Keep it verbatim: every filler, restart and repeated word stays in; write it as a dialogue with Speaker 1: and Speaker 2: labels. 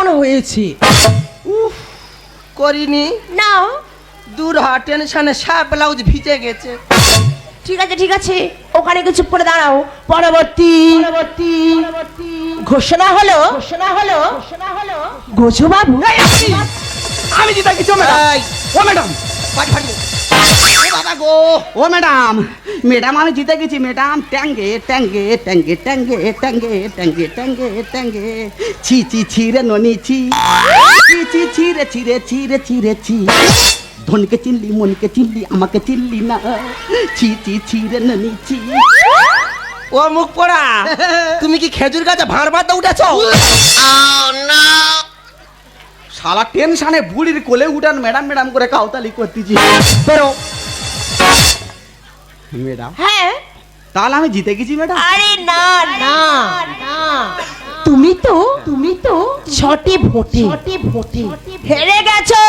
Speaker 1: কেমন হয়েছে?
Speaker 2: উফ, করিনি
Speaker 1: না
Speaker 2: দূর হ, টেনশনে সব ব্লাউজ ভিজে গেছে।
Speaker 1: ঠিক আছে ঠিক আছে, ওখানে একটু চুপ করে দাঁড়াও। পরবর্তী পরবর্তী ঘোষণা হলো ঘোষণা হলো ঘোষণা হলো গোজো বাবু।
Speaker 3: এই, আপনি! আমি জিতে গেছি ও ম্যাডাম।
Speaker 2: এই,
Speaker 3: ও ম্যাডাম,
Speaker 2: বাড়ি ফাড়ি দে। এ বাবা গো,
Speaker 3: ও ম্যাডাম, ম্যাডাম আমি জিতে গেছি ম্যাডাম। ট্যাঙ্গে ট্যাঙ্গে ট্যাঙ্গে ট্যাঙ্গে ট্যাঙ্গে ট্যাঙ্গে ট্যাঙ্গে ট্যাঙ্গে ছি ছি ছি রে ননি ছি ছি ছি ছি রে ছি রে ছি রে ছি রে ছি। ধনকে চিনলি, মনকে চিনলি, আমাকে চিনলি না। ছি ছি ছি রে ননি ছি।
Speaker 2: ও মুখ পোড়া, তুমি কি খেজুর গাছে ভাঁড় বাঁধতে উঠেছো?
Speaker 3: শালা টেনশনে বুড়ির কোলে উঠান ম্যাডাম ম্যাডাম করে কাউতালি করতেছি।
Speaker 2: বেরো।
Speaker 3: ম্যাডাম,
Speaker 1: হ্যাঁ
Speaker 3: তাহলে আমি জিতে গেছি ম্যাডাম।
Speaker 1: আরে না না না, তুমি তো তুমি তো ছটি ভোটে ছটি ভোটে হেরে গেছো।